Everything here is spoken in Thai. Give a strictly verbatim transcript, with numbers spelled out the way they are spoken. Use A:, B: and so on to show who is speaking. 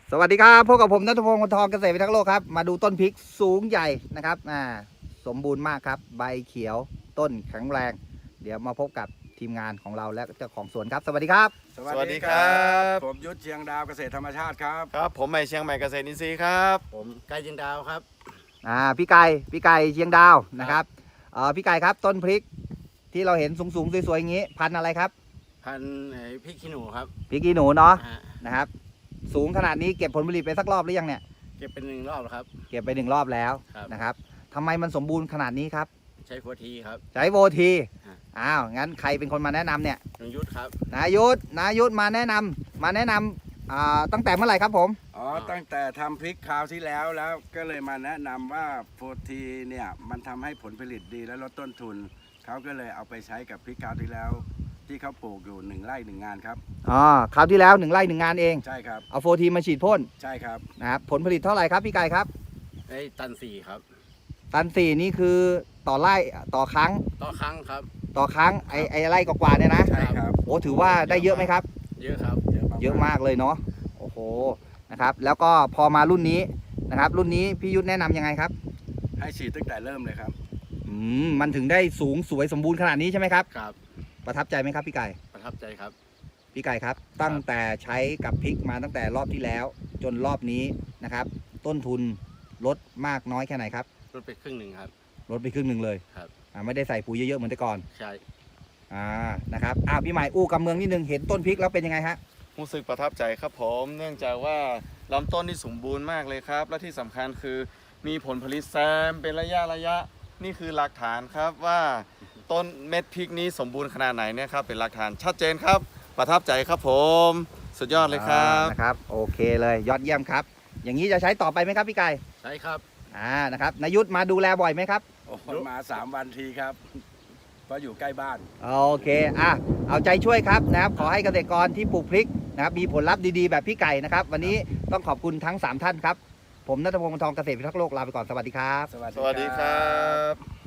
A: สวัสดีครับพบกับผมณัฐพงศ์ คนทองเกษตรพิทักษ์โลกครับมาดูต้นพริกสูงใหญ่นะครับอ่าสมบูรณ์มากครับใบเขียวต้นแข็งแรงเดี๋ยวมาพบกับทีมงานของเราและเจ้าของสวนครับสวัสดีครับ
B: สวัสดีครับผมยุทธเชียงดาวเกษตรธรรมชาติครับ
C: ครับผมใหม่เชียงใหม่เกษตรอินทรีย์ครับ
B: ผมไก่จินดาวครับ
A: อ่าพี่ไก่พี่ไก่เชียงดาวนะครับเอ่อพี่ไก่ครับต้นพริกที่เราเห็นสูงๆสวยๆอย่างนี้พันธุ์อะไรครับ
B: พันธุ์พริกขี้หนูครับ
A: พริกขี้หนูเนาะ
B: ฮะ
A: นะครับสูงขนาดนี้เก็บผลผลิตไปสักรอบหรือยังเนี่ย
B: เก็บเป็นหนึ่งรอบแล้วครับ
A: เก็บไปหนึ่งรอบแล้ว
B: ครับ
A: นะครับทำไมมันสมบูรณ์ขนาดนี้ครับ
B: ใช้โฟทีครับ
A: ใช้โวที
B: ฮะ
A: อ้าวงั้นใครเป็นคนมาแนะนำเนี่ย
B: หนึ่งยุทธครับ
A: นายุทธนายุทธมาแนะนำมาแนะนำอ่าตั้งแต่เมื่อไหร่ครับผม
D: อ๋อตั้งแต่ทำพริกคราวที่แล้วแล้วก็เลยมาแนะนำว่าโฟทีเนี่ยมันทำให้ผลผลิตดีและลดต้นทุนเขาก็เลยเอาไปใช้กับพริกคราวที่แล้ว ที่เขาปลูกอยู่หนึ่งไร่หนึ่งงานครับ
A: อ๋อคราวที่แล้วหนึ่งไร่หนึ่งงานเอง
D: ใช่ครับ
A: เอาโฟทีมาฉีดพ่น
D: ใช่ครับ
A: นะครับผลผลิตเท่าไหร่ครับพี่ไก่ครับ
B: ไอ้ตันสี่ครับ
A: ตันสี่นี่คือต่อไร่ต่อครั้ง
B: ต่อครั้งครับ
A: ต่อครั้งไอไอไร่กว่าๆเนี่ยนะ
D: ใช่ครับ
A: โอ้ถือว่าได้เยอะไหมครับ
B: เยอะครับ
A: เยอะมากเลยเนาะโอ้โหนะครับแล้วก็พอมารุ่นนี้นะครับรุ่นนี้พี่ยุทธแนะนำยังไงครับ
D: ให้ฉีดตั้งแต่เริ่มเลยครับ
A: อืมมันถึงได้สูงสวยสมบูรณ์ขนาดนี้ใช่ไหมครับ
B: ครับ
A: ประทับใจไหมครับพี่ไก่
B: ประทับใจครับ
A: พี่ไก่ครับตั้งแต่ใช้กับพริกมาตั้งแต่รอบที่แล้ว จนรอบนี้นะครับ ต้นทุนลดมากน้อยแค่ไหนครับ
B: ลดไปครึ่งหนึ่งครับ
A: ลดไปครึ่งหนึ่งเลย
B: ครับ
A: อ่าไม่ได้ใส่ปุ๋ยเยอะๆเหมือนแต่ก่อน
B: ใช่
A: อ่านะครับอ่าพี่ใหม่อู้กำเมืองนิดนึงเห็นต้นพริกแล้วเป็นยังไงฮะ
C: รู้สึกประทับใจครับผมเนื่องจากว่าลำต้นที่สมบูรณ์มากเลยครับ และที่สำคัญคือมีผลผลิตแซมเป็นระยะระยะนี่คือหลักฐานครับว่าต้นเม็ดพริกนี้สมบูรณ์ขนาดไหนเนี่ยครับเป็นหลักฐานชัดเจนครับ ประทับใจครับผมสุดยอดเลยครับ
A: อ่านะครับโอเคเลยยอดเยี่ยมครับ อย่างนี้จะใช้ต่อไปไหมครับพี่ไก่
B: ใช่ครับ
A: อ่านะครับนายุทธมาดูแลบ่อยไหมครับ
D: โอ้โหมาสามวันทีครับ เพราะอยู่ใกล้บ้าน
A: โอเคอ่ะเอาใจช่วยครับนะครับขอให้เกษตรกรที่ปลูกพริกนะครับมีผลลัพธ์ดีๆแบบพี่ไก่นะครับวันนี้ต้องขอบคุณทั้งสามท่านครับผมณัฐพงศ์ คนทองเกษตรพิทักษ์โลกลาไปก่อนสวัสดีครับ
D: สวัส
C: สวัสดีครับ